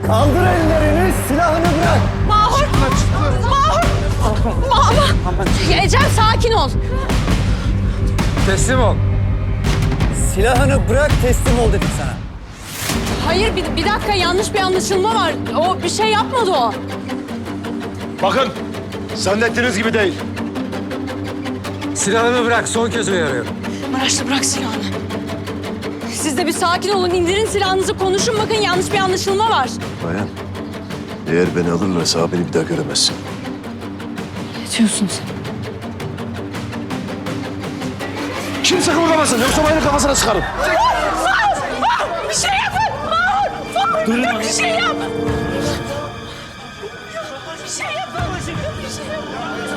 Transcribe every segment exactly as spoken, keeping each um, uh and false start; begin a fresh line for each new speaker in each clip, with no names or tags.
Kaldır ellerini, silahını bırak.
Mahur! Mahur! Mahur! Ecem sakin ol.
Teslim ol.
Silahını bırak, teslim ol dedim sana.
Hayır bir, bir dakika yanlış bir anlaşılma var. O bir şey yapmadı o.
Bakın, zannettiğiniz gibi değil.
Silahını bırak, son kez uyarıyorum.
Maraşlı bırak silahını. Siz de bir sakin olun, indirin silahınızı, konuşun bakın yanlış bir anlaşılma var.
Bayan, eğer beni alırlarsa beni bir daha göremezsin.
Ne diyorsun sen?
Kimse kımıldamasın, yoksa bayanın kafasına sıkarım.
Bir şey yapın! Mahur! Mahur! Bir şey yap! Bir şey yapın! Bir şey yapın!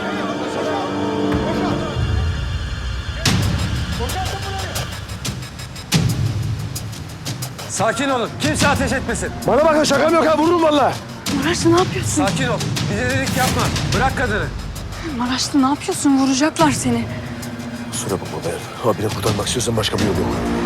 Sakin olun, kimse ateş etmesin.
Bana bakın, şakam yok ha, vururum valla.
Maraşlı ne yapıyorsun?
Sakin ol, bir delilik yapma. Bırak kadını.
Maraşlı ne yapıyorsun? Vuracaklar seni.
Kusura bakma bayan. Abini kurtarmak istiyorsan başka bir yol yok.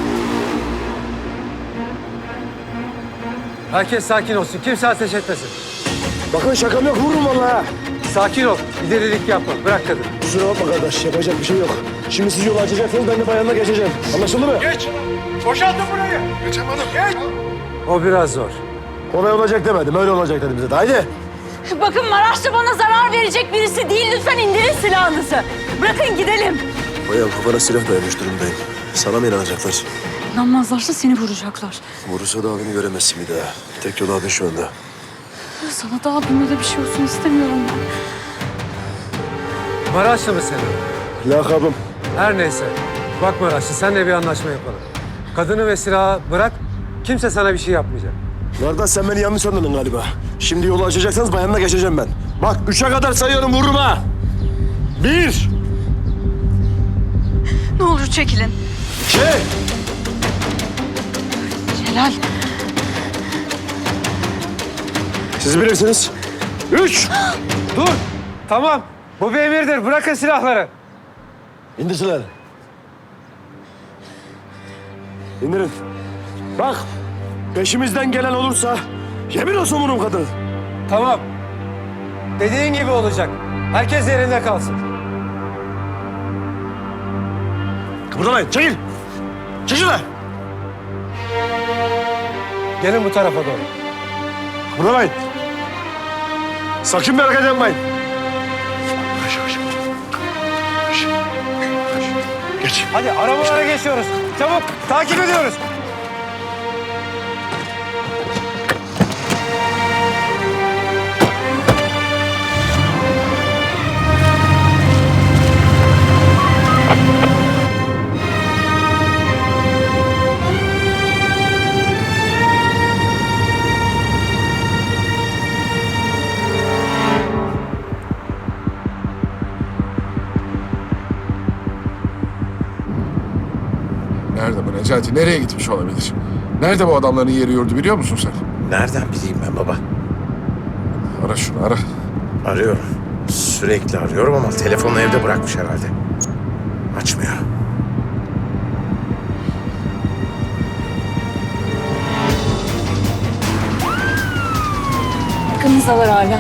Herkes sakin olsun, kimse ateş etmesin.
Bakın şakam yok, vururum valla.
Sakin ol, bir delilik yapma. Bırak kadını.
Kusura bakma kardeş, yapacak bir şey yok. Şimdi siz yolu açacaksınız, ben de bayanla geçeceğim. Anlaşıldı mı?
Geç! Boşaltın burayı! Geçemedim. Geç!
O biraz zor.
Kolay olacak demedim, öyle olacak dedim bize de. Haydi.
Bakın Maraşlı bana zarar verecek birisi değil. Lütfen indirin silahınızı. Bırakın gidelim.
Bayan, kafana silah dayamış durumdayım. Sana mı inanacaklar?
İnanmazlarsa seni vuracaklar.
Vurursa da abini göremezsin bir daha. Tek yol abin şu anda.
Sana da abime de bir şey olsun istemiyorum ben.
Maraşlı mı senin?
Lakabım.
Her neyse. Bak Maraşlı, seninle bir anlaşma yapalım. Kadını ve silahı bırak, kimse sana bir şey yapmayacak.
Kardeş, sen beni yanlış anladın galiba. Şimdi yolu açacaksanız bayanla geçeceğim ben. Bak, üçe kadar sayıyorum, vururum ha. Bir.
Ne olur çekilin.
İki.
Celal.
Siz bilirsiniz. Üç.
Dur, tamam. Bu bir emirdir, bırakın silahları.
İndir silahını. İndirin. Bak, peşimizden gelen olursa yemin olsun vururum kadını.
Tamam. Dediğin gibi olacak. Herkes yerinde kalsın.
Kıpırdamayın, çekil. Çekil lan.
Gelin bu tarafa doğru.
Kıpırdamayın. Sakın bir hareket yapmayın. Yavaş yavaş. Yavaş. Yavaş. Geç.
Hadi arabalara geçiyoruz. Çabuk, takip ediyoruz.
Nerede bu Necati? Nereye gitmiş olabilir? Nerede bu adamların yeri yurdu biliyor musun sen?
Nereden bileyim ben baba?
Ara şunu, ara.
Arıyorum. Sürekli arıyorum ama telefonu evde bırakmış herhalde. Açmıyor.
Yakınızdalar hala.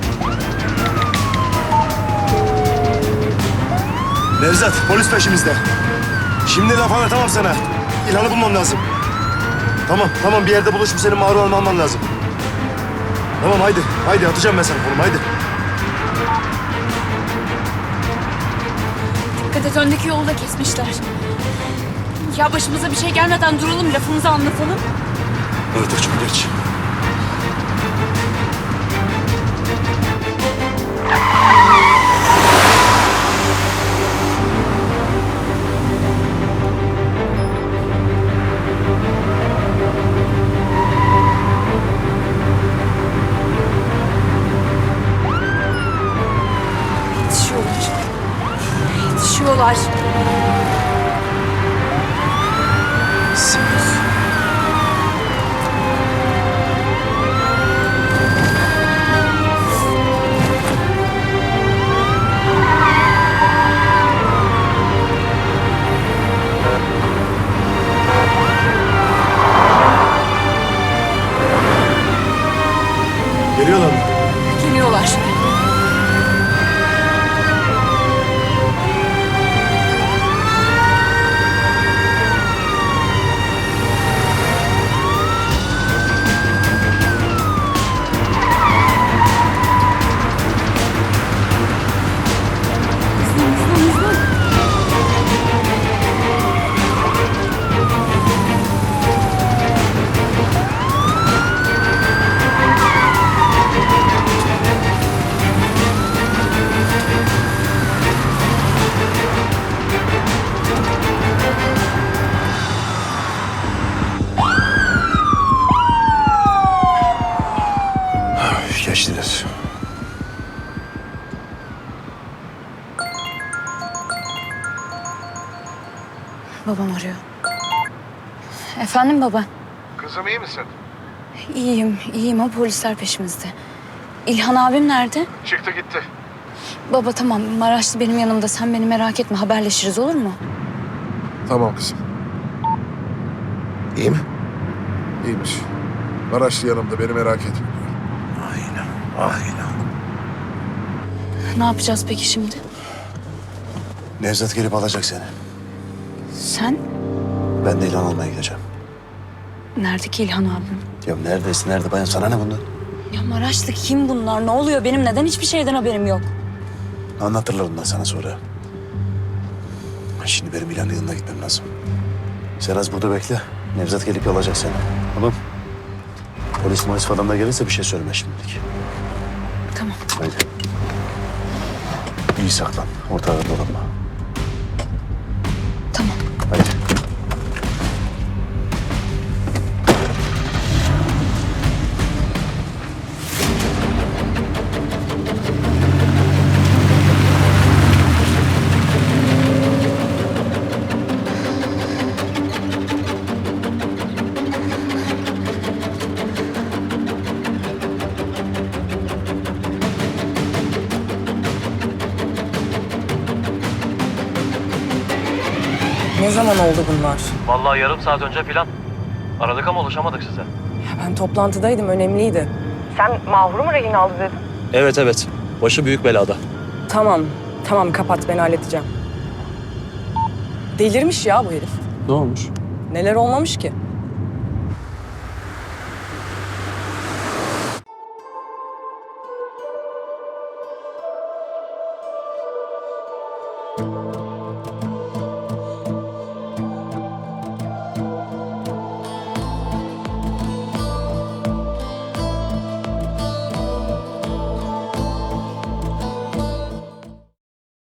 Nevzat, polis peşimizde. Şimdi laf anlatamam sana. İlhan'ı bulmam lazım. Tamam, tamam. Bir yerde buluşup senin mağrur alman lazım. Tamam, haydi. Haydi, atacağım ben sana konumu, haydi.
Dikkat et öndeki yolu da kesmişler. Ya başımıza bir şey gelmeden duralım, lafımızı anlatalım.
Artık çok geç.
Yetişiyorlar. Babam arıyor. Efendim baba.
Kızım iyi misin?
İyiyim, iyiyim ama polisler peşimizde. İlhan abim nerede?
Çıktı gitti.
Baba tamam, Maraşlı benim yanımda. Sen beni merak etme, haberleşiriz olur mu?
Tamam kızım.
İyi mi?
İyiymiş. Maraşlı yanımda, beni merak etme diyor.
Ah İlhan, ah İlhan.
Ne yapacağız peki şimdi?
Nevzat gelip alacak seni.
Sen?
Ben de İlhan almaya gideceğim.
Nerede ki İlhan abim?
Ya neredesin? Nerede bayan? Sana ne bundan?
Ya Maraşlı kim bunlar? Ne oluyor? Benim neden hiçbir şeyden haberim yok?
Anlatırlar ondan sana sonra. Şimdi benim İlhan'ın yanına gitmem lazım. Sen az burada bekle. Nevzat gelip alacak seni. Tamam. Polis polis falan da gelirse bir şey söyleme şimdilik.
Tamam.
Haydi. İyi saklan. Ortalarda dolanma.
Tamam.
Haydi.
Ne zaman oldu bunlar?
Vallahi yarım saat önce filan. Aradık ama ulaşamadık size.
Ya ben toplantıdaydım, önemliydi. Sen Mahur'u mu rehin aldı dedin?
Evet evet. Başı büyük belada.
Tamam, tamam kapat, ben halledeceğim. Delirmiş ya bu herif.
Ne olmuş?
Neler olmamış ki?